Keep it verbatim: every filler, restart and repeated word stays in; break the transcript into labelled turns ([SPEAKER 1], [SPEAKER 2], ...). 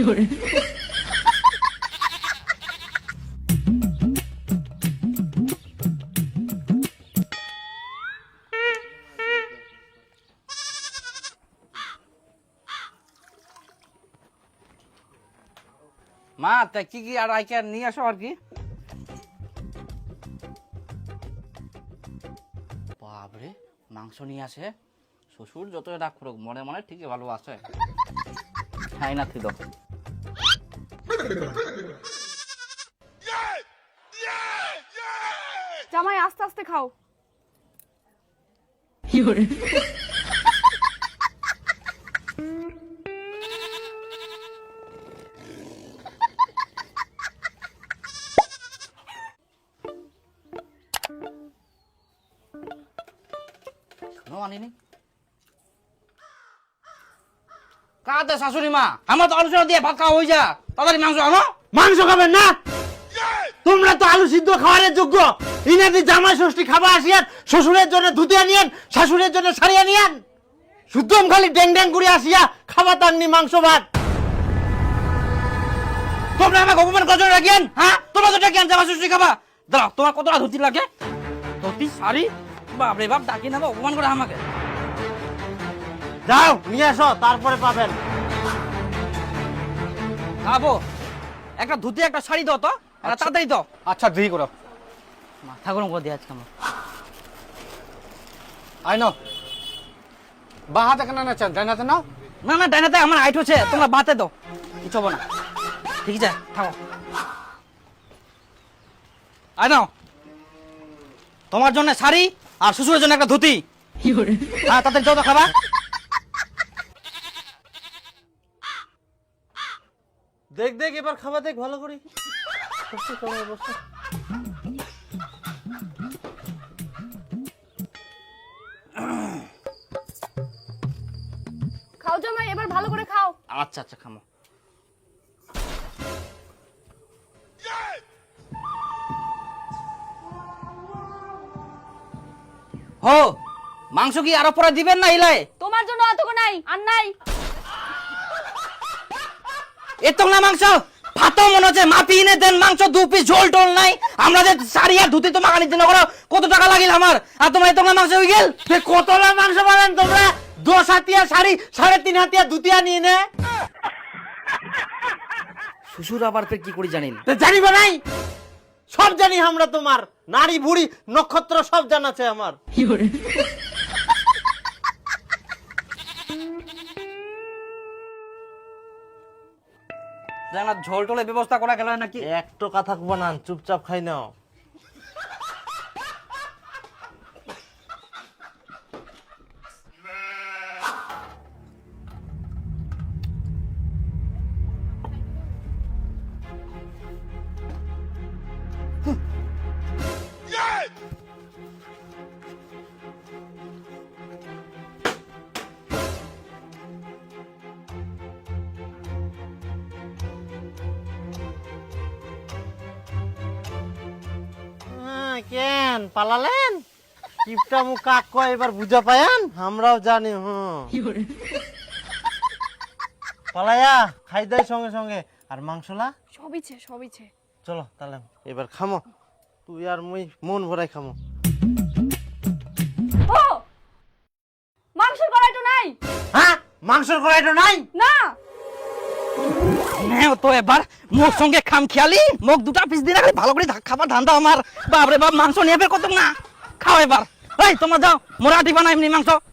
[SPEAKER 1] মা তা কি কি আর আইকে নিয়ে আসো আর কি। বাবরে মাংস নিয়ে আসে, শ্বশুর যত রাগ করুক মনে মনে ঠিকই ভালোবাসে। হ্যাঁ না দাও।
[SPEAKER 2] জামাই আস্তে আস্তে খাও।
[SPEAKER 1] আনিনি কাতে শাশুড়ি মা, আমার তো আলোচনা দিয়ে ভাত খাওয়া হয়ে যা, তাড়াতাড়ি মাংস আনো।
[SPEAKER 3] মাংস খাবেন না? তোমরা তো আলু সিদ্ধ খাওয়ার যোগ্য। ইনাদি জামাই ষষ্ঠী খাবার আসিয়ান, শ্বশুরের জন্য ধুতিয়া নিয়েন, শাশুড়ের জন্য সারিয়া নিয়েন। শুদ্ধম খালি ড্যাং ড্যাং করে আসিয়া খাবার তাননি মাংস ভাত।
[SPEAKER 1] তোমরা আমাকে অপমান করছো রাখিয়েন? হ্যাঁ তোমরা তো ডাকিয়েন জামাই ষষ্ঠী খাবা। দাঁড়াও, তোমার কতটা ধুতি লাগে? ধুতি শাড়ি বাপরে বাপ, ডাকি না অপমান করে আমাকে।
[SPEAKER 3] যাও নিয়ে আসো, তারপরে পাবেন।
[SPEAKER 1] খাবো একটা ধুতি একটা শাড়ি দাও তো, একটা তাড়াতাড়ি দাও।
[SPEAKER 3] আচ্ছা ধুই করো।
[SPEAKER 1] মাথা গরম করে দিয়ে আজকে আমার।
[SPEAKER 3] আই নো বা হাতে কেন না চান, ডাইনাতে নাও।
[SPEAKER 1] না না ডাইনাতে আমার হাইট হচ্ছে, তোমরা বাতে দাও, কিছু হবে না। ঠিক আছে থাকো। আই নাও তোমার জন্য শাড়ি আর শ্বশুরের জন্য একটা ধুতি। হ্যাঁ তাড়াতাড়ি যাও তো খাবা।
[SPEAKER 3] দেখ দেখ এবার খাবার দেখ ভালো করে।
[SPEAKER 2] খাও জামাই, এবার ভালো করে খাও।
[SPEAKER 1] আচ্ছা আচ্ছা খামো। হো মাংস কি আরো পরে দিবেন না ইলাই?
[SPEAKER 2] তোমার জন্য অতটুকু নাই আর নাই।
[SPEAKER 1] এত না মাংস ভাতও মনে হচ্ছে মাপি এনে দেন, মাংস দু পিস ঝোল টোল নাই। আমরা যে শাড়ি আর ধুতি তো মাখানির জন্য করো, কত টাকা লাগিল আমার, আর তোমার এত না মাংস হয়ে গেল।
[SPEAKER 3] কতলা মাংস পাবেন তোমরা? দশ হাতিয়া শাড়ি, সাড়ে তিন হাতিয়া ধুতিয়া নিয়ে নে।
[SPEAKER 1] শ্বশুর আবার ফের কি করি জানেন?
[SPEAKER 3] জানিবা নাই? সব জানি আমরা, তোমার নারী বুড়ি নক্ষত্র সব জানাছে আমার।
[SPEAKER 1] জানা ঝোল টোলের ব্যবস্থা করা গেল নাকি?
[SPEAKER 3] একটু কথা বানান, চুপচাপ খাই নাও। কেন পালালেন? কিপটা মুখ কাক কয় এবার বুঝা পায়ান? আমরাও জানি। হুম পালায়া খাই দেয় সঙ্গে সঙ্গে। আর মাংসলা
[SPEAKER 2] সবিছে সবিছে।
[SPEAKER 3] চলো তাহলে এবার খামো, তুই আর মুই মন ভরাই খামো।
[SPEAKER 2] ও মাংসের কড়াইটা নাই।
[SPEAKER 3] হ্যাঁ মাংসের কড়াইটা নাই?
[SPEAKER 2] না
[SPEAKER 1] নেও তো এবার মুখ সঙ্গে খাম খেয়ালি, মুখ দুটা পিস দিন ভালো করে খাবার ধান্দা আমার। বাপরে বাপ মাংস নিয়ে ফের কত না খাও এবার। এই তোমরা যাও, মোরাটি বানাই এমনি মাংস।